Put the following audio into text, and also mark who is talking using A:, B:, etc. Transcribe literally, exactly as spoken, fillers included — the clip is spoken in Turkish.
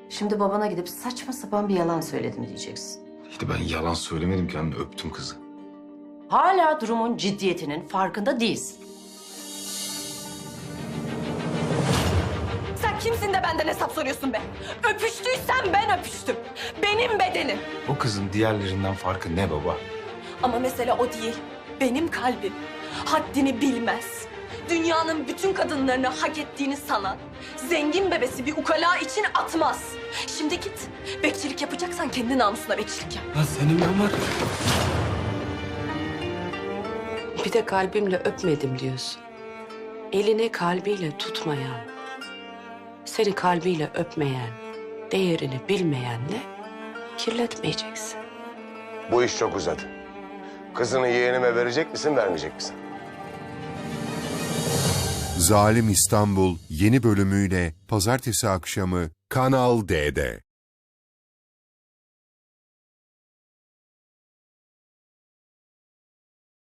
A: Şimdi babana gidip saçma sapan bir yalan söyledim diyeceksin.
B: İşte ben yalan söylemedim ki anne, öptüm kızı.
A: Hala durumun ciddiyetinin farkında değilsin.
C: Sen kimsin de benden hesap soruyorsun be? Öpüştüysen ben öpüştüm. Benim bedenim.
B: O kızın diğerlerinden farkı ne baba?
C: Ama mesele o değil. Benim kalbim haddini bilmez. Dünyanın bütün kadınlarını hak ettiğini sanan zengin bebesi bir ukala için atmaz. Şimdi git. Bekçilik yapacaksan kendi namusuna bekçilik yap.
D: Lan senin ben var.
E: Bir de kalbimle öpmedim diyorsun. Elini kalbiyle tutmayan, seni kalbiyle öpmeyen, değerini bilmeyenle kirletmeyeceksin.
F: Bu iş çok uzadı. Kızını yeğenime verecek misin, vermeyecek misin?
G: Zalim İstanbul yeni bölümüyle pazartesi akşamı Kanal D'de.